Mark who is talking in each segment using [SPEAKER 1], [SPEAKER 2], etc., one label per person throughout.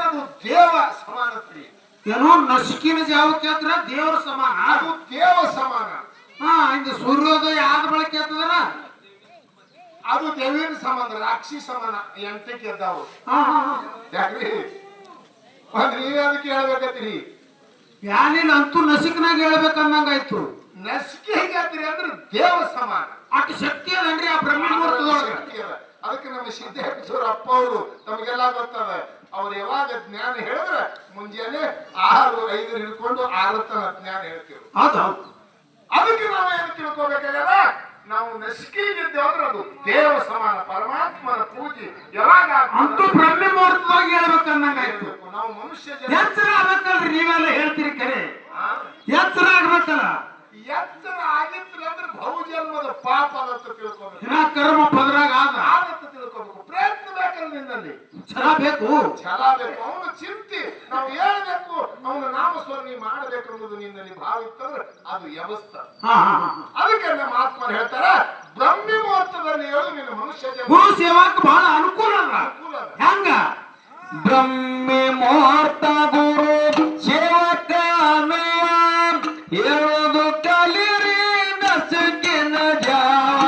[SPEAKER 1] ಅದು ದೇವ ಸಮಾನತ್ರಿ.
[SPEAKER 2] ಏನೋ ನಸುಕಿನ ಜಾವಕ್ಕೆ ಆದ್ರ ದೇವರ ಸಮಾನ,
[SPEAKER 1] ಅದು ದೇವ ಸಮಾನ.
[SPEAKER 2] ಹಾ ಇದು ಸೂರ್ಯೋದಯ ಆದ ಬಳಕೆ ಆಗ್ತದಲ್ಲ
[SPEAKER 1] ಅದು ದೇವಿನ ಸಮಾನ, ರಾಕ್ಷಿ ಸಮಾನ. ಎಂಟಕ್ಕೆ ಎದ್ದಾವು ಯಾಕ್ರಿ ನೀವೇ ಅದಕ್ಕೆ ಹೇಳ್ಬೇಕತ್ರಿ.
[SPEAKER 2] ಯಾನಿಲ್ಲ ಅಂತೂ ನಸಿಕನಾಗ ಹೇಳ್ಬೇಕನ್ನಂಗಾಯ್ತು.
[SPEAKER 1] ನಸಿಕೆ ಹೇಗಾದ್ರಿ ಅಂದ್ರೆ ದೇವ ಸಮಾನ.
[SPEAKER 2] ಅಷ್ಟು ಶಕ್ತಿ ಅದನ್ರಿ ಆ ಬ್ರಹ್ಮ ಮುಹೂರ್ತದೊಳಗೆ.
[SPEAKER 1] ಅದಕ್ಕೆ ನಮ್ಮ ಸಿದ್ದೇಶ್ವರ ಅಪ್ಪ ಅವರು ತಮಗೆಲ್ಲ ಗೊತ್ತದ. ಅವ್ರು ಯಾವಾಗ ಜ್ಞಾನ ಹೇಳಿದ್ರೆ ಮುಂಜಾನೆ 6-5 ಹಿಡ್ಕೊಂಡು 6 ತನ ಜ್ಞಾನ ಹೇಳ್ತೀವಿ. ಅದಕ್ಕೆ ನಾವು ಏನು ತಿಳ್ಕೋಬೇಕಾಗಲ್ಲ, ನಾವು ನಸಿಕೆಗಿದ್ದೇವೆ ಅಂದ್ರೆ ಅದು ದೇವ ಸಮಾನ, ಪರಮಾತ್ಮನ ಪೂಜೆ ಯಾವಾಗ
[SPEAKER 2] ಅಂತೂ ಬ್ರಹ್ಮ ಮುಹೂರ್ತದಾಗ ಹೇಳ್ಬೇಕನ್ನಂಗಾಯ್ತು.
[SPEAKER 1] ನಾವು ಮನುಷ್ಯ
[SPEAKER 2] ಎಚ್ಚರ ಆಗ್ಬೇಕಲ್ರಿ, ನೀವೆಲ್ಲ ಹೇಳ್ತೀರಿ ಕರೆ. ಎಚ್ಚರ ಆಗ್ಬೇಕಲ್ಲ.
[SPEAKER 1] ಎಚ್ಚರ ಆಗಿತ್ತು ಅಂದ್ರೆ ಬಹುಜನ್ಮದ ಪಾಪ ಅಂತ ತಿಳ್ಕೋಬೇಕು.
[SPEAKER 2] ಕರ್ಮ ಪದರಾಗ
[SPEAKER 1] ಆಗತ್ತ ತಿಳ್ಕೋಬೇಕು. ಪ್ರಯತ್ನ ಬೇಕಲ್ಲ ನಿನ್ನಲ್ಲಿ,
[SPEAKER 2] ಛಲ ಬೇಕು,
[SPEAKER 1] ಛಲ ಬೇಕು. ಅವನ ಚಿಂತೆ ನಾವು ಹೇಳ್ಬೇಕು, ಅವನ ನಾಮಸ್ಮರಣೆ ಮಾಡಬೇಕು ಅನ್ನೋದು ನಿನ್ನಲ್ಲಿ ಭಾವ ಇತ್ತಂದ್ರೆ ಅದು ವ್ಯವಸ್ಥ. ಅದಕ್ಕೆ ನಮ್ಮ ಆತ್ಮರು ಹೇಳ್ತಾರ ಬ್ರಹ್ಮ ಮುಹೂರ್ತದಲ್ಲಿ ಹೇಳು ನಿನ್ನ ಮನುಷ್ಯ
[SPEAKER 2] ಗುರು ಸೇವಾಕ್ ಬಹಳ ಅನುಕೂಲ ಹೆಂಗ. ಬ್ರಹ್ಮ ಮುಹೂರ್ತ ಗುರು ಸೇವಕ ಹೇಳೋದು ಕಲಿರಿ ನಸುಕಿನ ಜಾವ.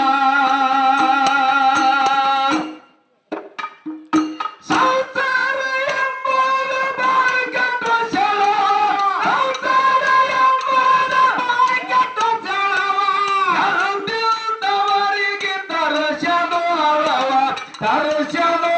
[SPEAKER 2] ಸಂಸಾರ ಎಂಬುದು ಬಾಯಿಗೆಟ್ಟ ಸೆಳ, ಸಂಸಾರ ಎಂಬುದು ಬಾಯಿಗೆಟ್ಟ ಸೆಳವ. ತರಸದು ಅರವ, ತರಸದು